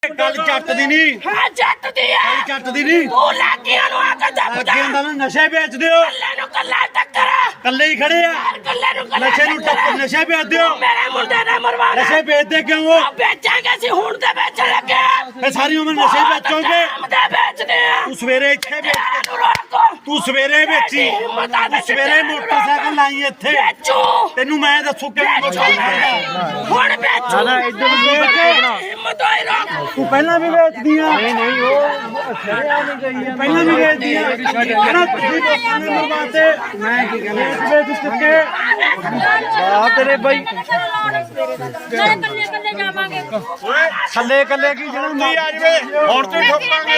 गल जट दी नहीं हाँ जट दी है गल जट दी नहीं तू लागियां नु आके दब जा लागियां दा नशे बेच दियो कल्ले नु कल्ला टक्कर कल्ले ही खड़े आ कल्ले नु कल्ला नशे नु टक्कर नशे बेच दियो मेरे मुंडे ने मरवाना नशे बेचदे क्यों हो बेचांगे सी हुण ते बेचण लगे फिर सारी उम्र नशे बेचोगे हम ते बेचदे तू सवेरे इत्थे बेच नु रोको तू सवेरे बेची तू सवेरे मोटरसाइकिल लाई इत्थे बेचो तेनू मैं दसू कि हुण बेचो ना इधर बेच हिम्मत होई रोक तू पहला भी बेचदी आ नहीं वो पहला भी बेचदी आ ना तुझी लोकां ने मरवाते मैं की कहना बेच चुके आ तेरे भाई कल्ले जावांगे थल्ले कल्ले की जड़ा नहीं आ जवे और ते ठोकांगे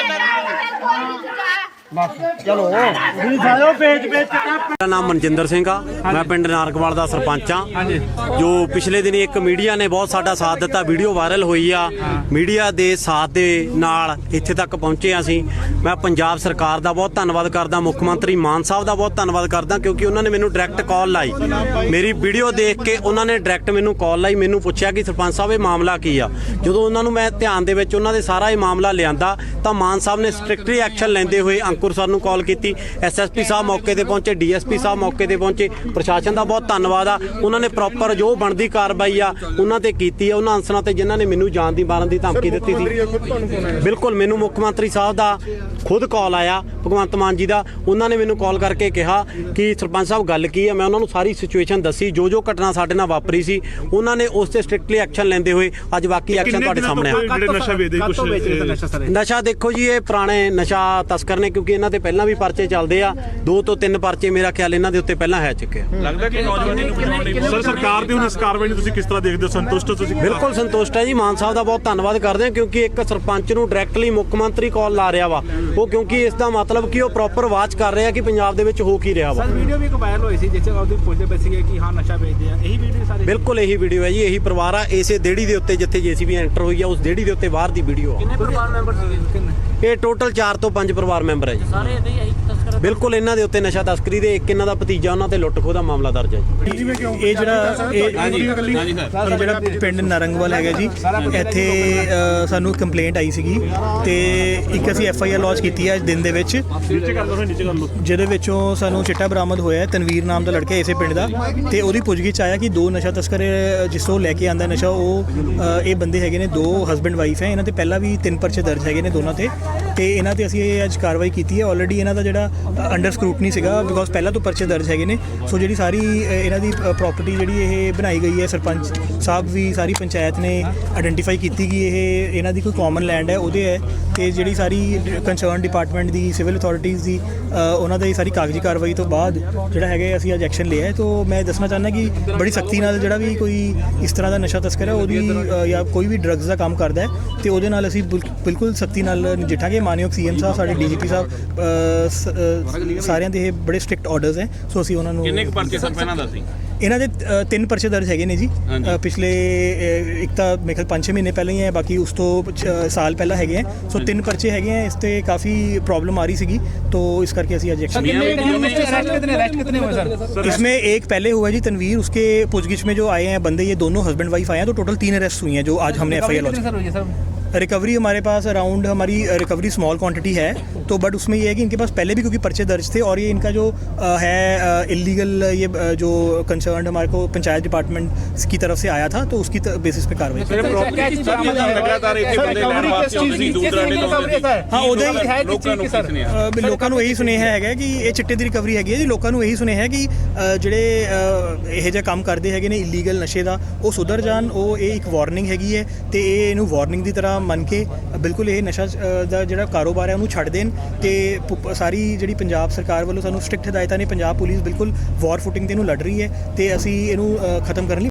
चलो ਤੁਸੀਂ ਸਾਲੋ ਵੇਚ ਮੇਰਾ ਨਾਮ ਮਨਜਿੰਦਰ ਸਿੰਘ ਆ ਮੈਂ ਪਿੰਡ ਨਾਰਕਵਾਲ ਦਾ ਸਰਪੰਚ ਆ ਜੋ ਪਿਛਲੇ ਦਿਨੀ ਇੱਕ ਮੀਡੀਆ ਨੇ ਬਹੁਤ ਸਾਡਾ ਸਾਥ ਦਿੱਤਾ ਵੀਡੀਓ ਵਾਇਰਲ ਹੋਈ ਆ ਮੀਡੀਆ ਦੇ ਸਾਥ ਦੇ ਨਾਲ ਇੱਥੇ ਤੱਕ ਪਹੁੰਚੇ ਆ ਅਸੀਂ ਮੈਂ ਪੰਜਾਬ ਸਰਕਾਰ ਦਾ ਬਹੁਤ ਧੰਨਵਾਦ ਕਰਦਾ ਮੁੱਖ ਮੰਤਰੀ ਮਾਨ ਸਾਹਿਬ ਦਾ ਬਹੁਤ ਧੰਨਵਾਦ ਕਰਦਾ ਕਿਉਂਕਿ ਉਹਨਾਂ ਨੇ ਮੈਨੂੰ ਡਾਇਰੈਕਟ ਕਾਲ ਲਾਈ ਮੇਰੀ ਵੀਡੀਓ ਦੇਖ ਕੇ ਉਹਨਾਂ ਨੇ ਡਾਇਰੈਕਟ ਮੈਨੂੰ ਕਾਲ ਲਾਈ ਮੈਨੂੰ ਪੁੱਛਿਆ ਕਿ ਸਰਪੰਚ ਸਾਹਿਬ ਇਹ ਮਾਮਲਾ ਕੀ ਆ ਜਦੋਂ ਉਹਨਾਂ ਨੂੰ ਮੈਂ ਧਿਆਨ ਦੇ ਵਿੱਚ ਉਹਨਾਂ ਦੇ ਸਾਰਾ ਇਹ ਮਾਮਲਾ ਲਿਆਂਦਾ ਤਾਂ ਮਾਨ ਸਾਹਿਬ ਨੇ ਸਟ੍ਰਿਕਟਲੀ ਐਕਸ਼ਨ ਲੈਂਦੇ ਹੋਏ ਅੰਕੁਰ ਸਰ ਨੂੰ ਕਾਲ ਕੀਤੀ ਐਸਐਸਪੀ ਸਾਹਿਬ ਮੌਕੇ ਤੇ ਪਹੁੰਚੇ ਡੀਐਸਪੀ ਸਾਹਿਬ ਮੌਕੇ ਤੇ ਪਹੁੰਚੇ ਪ੍ਰਸ਼ਾਸਨ ਦਾ ਬਹੁਤ ਧੰਨਵਾਦ ਆ ਉਹਨਾਂ ਨੇ ਪ੍ਰੋਪਰ ਜੋ ਬਣਦੀ ਕਾਰਵਾਈ ਆ ਉਹਨਾਂ ਤੇ ਕੀਤੀ ਆ ਉਹਨਾਂ ਅਨਸਰਾਂ ਤੇ ਜਿਨ੍ਹਾਂ ਨੇ ਮੈਨੂੰ ਜਾਨ ਦੀ ਮਾਰਨ ਦੀ ਧਮਕੀ ਦਿੱਤੀ ਸੀ ਬਿਲਕੁਲ ਮੈਨੂੰ ਮੁੱਖ ਮੰਤਰੀ ਸਾਹਿਬ ਦਾ ਖੁਦ ਕਾਲ ਆਇਆ ਭਗਵੰਤ ਮਾਨ ਜੀ ਦਾ ਉਹਨਾਂ ਨੇ ਮੈਨੂੰ ਕਾਲ ਕਰਕੇ ਕਿਹਾ ਕਿ ਸਰਪੰਚ ਸਾਹਿਬ ਗੱਲ ਕੀ ਆ ਮੈਂ ਉਹਨਾਂ ਨੂੰ ਸਾਰੀ ਸਿਚੁਏਸ਼ਨ ਦੱਸੀ ਜੋ ਘਟਨਾ ਸਾਡੇ ਨਾਲ ਵਾਪਰੀ ਸੀ ਉਹਨਾਂ ਨੇ ਉਸ ਤੇ ਸਟ੍ਰਿਕਟਲੀ ਐਕਸ਼ਨ ਲੈਂਦੇ ਹੋਏ ਅੱਜ ਬਾਕੀ ਐਕਸ਼ਨ ਤੁਹਾਡੇ ਸਾਹਮਣੇ ਆ ਨਸ਼ਾ ਦੇਖੋ ਜੀ ਇਹ ਪੁਰਾਣੇ ਨਸ਼ਾ ਤਸਕਰ ਨੇ ਕਿਉਂਕਿ ਇਹਨਾਂ ਤੇ ਪਹਿਲਾਂ ਵੀ ਪਰਚੇ ਚੱਲਦੇ ਆ 2 ਤੋਂ 3 ਪਰਚੇ ਮੇਰਾ ਖਿਆਲ ਇਹਨਾਂ ਦੇ ਉੱਤੇ ਪਹਿਲਾਂ ਹੈ ਚੁੱਕੇ ਆ ਲੱਗਦਾ ਕਿ ਨੌਜਵਾਨੀ ਨੂੰ ਬਚਾਉਣ ਲਈ ਸਰ ਸਰਕਾਰ ਦੀ ਹੁਣ ਇਸ ਕਾਰਵਾਈ ਨੂੰ ਤੁਸੀਂ ਕਿਸ ਤਰ੍ਹਾਂ ਦੇਖਦੇ ਹੋ ਸੰਤੁਸ਼ਟ ਹੋ ਤੁਸੀਂ ਬਿਲਕੁਲ ਸੰਤੁਸ਼ਟ ਹੈ ਜੀ ਮਾਨ ਸਾਹਿਬ ਦਾ ਬਹੁਤ ਧੰਨਵਾਦ ਕਰਦੇ ਹਾਂ ਕਿਉਂਕਿ ਇੱਕ ਸਰਪੰਚ ਨੂੰ ਡਾਇਰੈਕਟਲੀ ਮੁੱਖ ਮੰਤਰੀ ਕਾਲ ਲਾ ਰਿਹਾ ਵਾ ਉਹ ਕਿਉਂਕਿ ਇਸ ਦਾ ਮਤਲਬ ਕਿ ਉਹ ਪ੍ਰੋਪਰ ਵਾਚ ਕਰ ਰਿਹਾ ਕਿ ਪੰਜਾਬ ਦੇ ਵਿੱਚ ਹੋ ਕੀ ਰਿਹਾ ਵਾ ਵੀਡੀਓ ਵੀ ਇੱਕ ਵਾਇਰਲ ਹੋਈ ਸੀ ਜਿਸ ਵਿੱਚ ਉਹਦੀ ਪੁੱਛਦੇ ਪਏ ਸੀਗੇ ਕਿ ਹਾਂ ਨਸ਼ਾ ਵੇਚਦੇ ਆ ਇਹੀ ਵੀਡੀਓ ਸਾਰੇ ਬਿਲਕੁਲ ਇਹੀ ਵੀਡੀਓ ਹੈ ਜੀ ਇਹੀ ਪਰਿਵਾਰ ਆ ਇਸੇ ਦੇੜੀ ਦੇ ਉੱਤੇ ਜਿੱਥੇ ਜੀਸੀਬੀ ਐਂਟਰ ਹੋਈ ਆ ਉਸ ਦੇੜੀ ਦੇ ਉੱਤੇ ਬਾਹਰ ਦੀ ਵੀਡੀਓ ਆ ਕਿੰਨੇ ਪਰਿਵਾਰ ਮੈਂਬਰ ਸੀਗੇ ਕਿੰਨੇ ਇਹ ਟੋਟਲ 4 ਤੋਂ 5 ਪਰਿਵਾਰ ਮੈਂਬਰ ਹੈ ਜੀ ਸਾਰੇ ਇਹਦੇ ਹੀ ਤਸਕਰ ਬਿਲਕੁਲ ਇਹਨਾਂ ਦੇ ਉੱਤੇ ਨਸ਼ਾ ਤਸਕਰੀ ਦੇ ਇੱਕ ਇਹਨਾਂ ਦਾ ਭਤੀਜਾ ਉਹਨਾਂ ਤੇ ਲੁੱਟ ਖੋਹ ਦਾ ਮਾਮਲਾ ਦਰਜ ਹੈ ਜੀ ਇਹ ਜਿਹੜਾ ਪਿੰਡ ਨਰੰਗਵਾਲ ਹੈਗਾ ਜੀ ਇੱਥੇ ਸਾਨੂੰ ਕੰਪਲੇਂਟ ਆਈ ਸੀਗੀ ਤੇ ਇੱਕ ਅਸੀਂ FIR ਲੌਂਚ ਕੀਤੀ ਹੈ ਅੱਜ ਦਿਨ ਦੇ ਵਿੱਚ ਜਿਹਦੇ ਵਿੱਚੋਂ ਸਾਨੂੰ ਚਿੱਟਾ ਬਰਾਮਦ ਹੋਇਆ ਤਨਵੀਰ ਨਾਮ ਦਾ ਲੜਕਾ ਇਸੇ ਪਿੰਡ ਦਾ ਤੇ ਉਹਦੀ ਪੁੱਛਗਿੱਛ ਆਇਆ ਕਿ 2 ਨਸ਼ਾ ਤਸਕਰ ਜਿਸ ਤੋਂ ਲੈ ਕੇ ਆਂਦਾ ਨਸ਼ਾ ਉਹ ਇਹ ਬੰਦੇ ਹੈਗੇ ਨੇ 2 ਹਸਬੈਂਡ ਵਾਈਫ ਹੈ ਇਹਨਾਂ ਤੇ ਪਹਿਲਾਂ ਵੀ 3 ਪਰਚੇ ਦਰਜ ਹੈਗੇ ਨੇ ਦੋਨਾਂ ਤੇ ਇਹਨਾਂ ਤੇ ਅਸੀਂ ਇਹ ਅੱਜ ਕਾਰਵਾਈ ਕੀਤੀ ਹੈ ਆਲਰੇਡੀ ਇਹਨਾਂ ਦਾ ਜਿਹੜਾ ਅੰਡਰ ਸਕਰੂਟਨੀ ਸੀਗਾ ਬਿਕੋਜ਼ ਪਹਿਲਾਂ ਤੋਂ ਪਰਚੇ ਦਰਜ ਹੈਗੇ ਨੇ ਸੋ ਜਿਹੜੀ ਸਾਰੀ ਇਹਨਾਂ ਦੀ ਪ੍ਰਾਪਰਟੀ ਜਿਹੜੀ ਇਹ ਬਣਾਈ ਗਈ ਹੈ ਸਰਪੰਚ ਸਾਹਿਬ ਵੀ ਸਾਰੀ ਪੰਚਾਇਤ ਨੇ ਆਇਡੈਂਟੀਫਾਈ ਕੀਤੀ ਕਿ ਇਹ ਇਹਨਾਂ ਦੀ ਕੋਈ ਕਾਮਨ ਲੈਂਡ ਹੈ ਉਹਦੇ ਹੈ ਤੇ ਜਿਹੜੀ ਸਾਰੀ ਕੰਸਰਨ ਡਿਪਾਰਟਮੈਂਟ ਦੀ ਸਿਵਲ ਅਥਾਰਟੀਜ਼ ਦੀ ਉਹਨਾਂ ਦੀ ਸਾਰੀ ਕਾਗਜ਼ੀ ਕਾਰਵਾਈ ਤੋਂ ਬਾਅਦ ਜਿਹੜਾ ਹੈਗਾ ਅਸੀਂ ਅੱਜ ਐਕਸ਼ਨ ਲਿਆ ਹੈ ਤਾਂ ਮੈਂ ਦੱਸਣਾ ਚਾਹੁੰਦਾ ਕਿ ਬੜੀ ਸਖਤੀ ਨਾਲ ਜਿਹੜਾ ਵੀ ਕੋਈ ਇਸ ਤਰ੍ਹਾਂ ਦਾ ਨਸ਼ਾ ਤਸਕਰ ਹੈ ਉਹਦੀ ਜਾਂ ਕੋਈ ਵੀ ਡਰੱਗਸ ਦਾ ਕੰਮ ਕਰਦਾ ਹੈ ਤੇ ਉਹਦੇ ਨਾਲ ਅਸੀਂ ਬਿਲਕੁਲ ਸਖਤੀ ਨਾਲ ਨਜਿੱਠਾਂਗੇ ਮਾਨਯੋਗ CM ਸਾਹਿਬ ਸਾਡੇ DGP ਸਾਹਿਬ ਸਾਰਿਆਂ ਦੇ ਇਹ ਬੜੇ ਸਟ੍ਰਿਕਟ ਆਰਡਰਸ ਹੈ ਸੋ ਅਸੀਂ ਉਹਨਾਂ ਨੂੰ ਕਿੰਨੇ ਕੁ ਪਰਚੇ ਸਰ ਪਹਿਲਾਂ ਦੱਸੀ ਇਹਨਾਂ ਦੇ 3 ਪਰਚੇ ਦਰਜ ਹੈਗੇ ਨੇ ਜੀ ਪਿਛਲੇ ਇੱਕ ਤਾਂ ਮੇਰੇ ਖਿਆਲ 5-6 ਮਹੀਨੇ ਪਹਿਲਾਂ ਹੀ ਹੈ ਬਾਕੀ ਉਸ ਤੋਂ ਸਾਲ ਪਹਿਲਾਂ ਹੈਗੇ ਹੈ ਸੋ 3 ਪਰਚੇ ਹੈਗੇ ਹੈ ਇਸ ਤੇ ਕਾਫੀ प्रॉब्लम आ रही सीगी तो इस करके ਅਸੀਂ आज एक्शन इसमें एक पहले हुआ जी तनवीर उसके पूछगिछ में जो आए हैं बंदे ये दोनों हस्बैंड वाइफ आए हैं तो टोटल 3 अरेस्ट हुई हैं जो आज हमने FIR लॉन्च रिकवरी हमारे पास अराउंड हमारी रिकवरी स्मॉल क्वांटिटी है तो बट उसमें ये है कि इनके पास पहले भी क्योंकि पर्चे दर्ज थे और ये इनका जो है इलीगल ये जो कंसर्न हमारे को पंचायत डिपार्टमेंट की तरफ से आया था तो उसकी बेसिस पे कार्रवाई हाँ लोगों ਨੂੰ ਇਹੀ ਸੁਨੇਹਾ ਹੈਗਾ ਕਿ ਇਹ ਚਿੱਟੇ ਦੀ ਰਿਕਵਰੀ ਹੈਗੀ ਹੈ ਜੀ ਲੋਕਾਂ ਨੂੰ ਇਹੀ ਸੁਨੇਹਾ ਹੈ ਕਿ ਜਿਹੜੇ ਇਹ ਜਿਹਾ ਕੰਮ ਕਰਦੇ ਹੈਗੇ ਨੇ ਇਲੀਗਲ ਨਸ਼ੇ ਦਾ ਉਹ ਸੁਧਰ ਜਾਣ ਉਹ ਇਹ ਇੱਕ ਵਾਰਨਿੰਗ ਹੈਗੀ ਹੈ ਤੇ ਇਹ ਇਹਨੂੰ ਵਾਰਨਿੰਗ ਦੀ ਤਰ੍ਹਾਂ ਮੰਨ ਕੇ ਬਿਲਕੁਲ ਇਹ ਨਸ਼ਾ ਦਾ ਜਿਹੜਾ ਕਾਰੋਬਾਰ ਹੈ ਉਹਨੂੰ ਛੱਡ ਦੇਣ ਤੇ ਸਾਰੀ ਜਿਹੜੀ ਪੰਜਾਬ ਸਰਕਾਰ ਵੱਲੋਂ ਸਾਨੂੰ ਸਟ੍ਰਿਕਟ ਹਦਾਇਤਾਂ ਨੇ ਪੰਜਾਬ ਪੁਲਿਸ ਬਿਲਕੁਲ ਵਾਰ ਫੁਟਿੰਗ ਤੇ ਇਹਨੂੰ ਲੜ ਰਹੀ ਹੈ ਤੇ ਅਸੀਂ ਇਹਨੂੰ ਖਤਮ ਕਰਨ ਲਈ